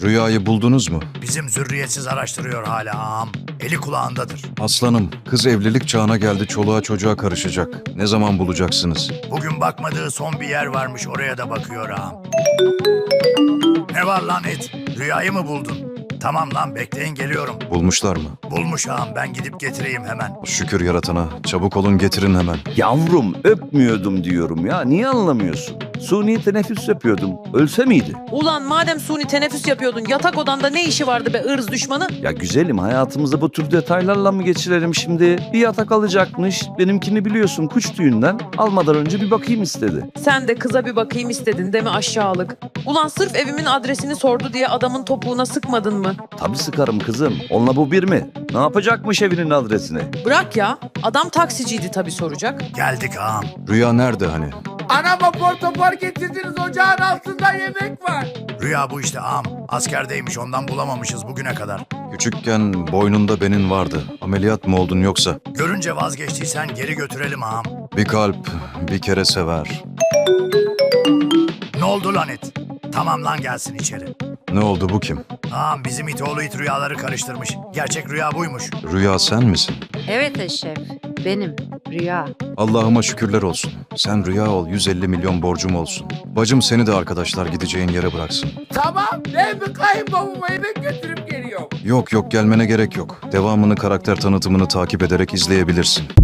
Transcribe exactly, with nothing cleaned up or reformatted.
Rüyayı buldunuz mu? Bizim zürriyetsiz araştırıyor hala ağam. Eli kulağındadır. Aslanım, kız evlilik çağına geldi, çoluğa çocuğa karışacak. Ne zaman bulacaksınız? Bugün bakmadığı son bir yer varmış, oraya da bakıyor ağam. Ne var lan it? Rüyayı mı buldun? Tamam lan, bekleyin geliyorum. Bulmuşlar mı? Bulmuş ağam, ben gidip getireyim hemen. Şükür yaratana. Çabuk olun, getirin hemen. Yavrum öpmüyordum diyorum ya. Niye anlamıyorsun? Suni teneffüs yapıyordum. Ölse miydi? Ulan madem suni teneffüs yapıyordun yatak odanda ne işi vardı be ırz düşmanı? Ya güzelim, hayatımızı bu tür detaylarla mı geçirelim şimdi? Bir yatak alacakmış. Benimkini biliyorsun, kuş tüyünden. Almadan önce bir bakayım istedi. Sen de kıza bir bakayım istedin değil mi aşağılık? Ulan sırf evimin adresini sordu diye adamın topuğuna sıkmadın mı? Tabii sıkarım kızım. Onunla bu bir mi? Ne yapacakmış evinin adresini? Bırak ya, adam taksiciydi tabii soracak. Geldik ağam. Rüya nerede hani? Anama portopor getirdiniz, ocağın altında yemek var. Rüya bu işte ağam. Askerdeymiş, ondan bulamamışız bugüne kadar. Küçükken boynunda benin vardı. Ameliyat mı oldun yoksa? Görünce vazgeçtiysen geri götürelim ağam. Bir kalp bir kere sever. Ne oldu lan it? Tamam lan, gelsin içeri. Ne oldu, bu kim? Ağam, bizim it oğlu it rüyaları karıştırmış. Gerçek rüya buymuş. Rüya sen misin? Evet Eşref, benim. Rüya. Allah'ıma şükürler olsun. Sen Rüya ol, yüz elli milyon borcum olsun. Bacım seni de arkadaşlar gideceğin yere bıraksın. Tamam, ben bir kayınbabama yemek götürüp geliyorum. Yok yok, gelmene gerek yok. Devamını, karakter tanıtımını takip ederek izleyebilirsin.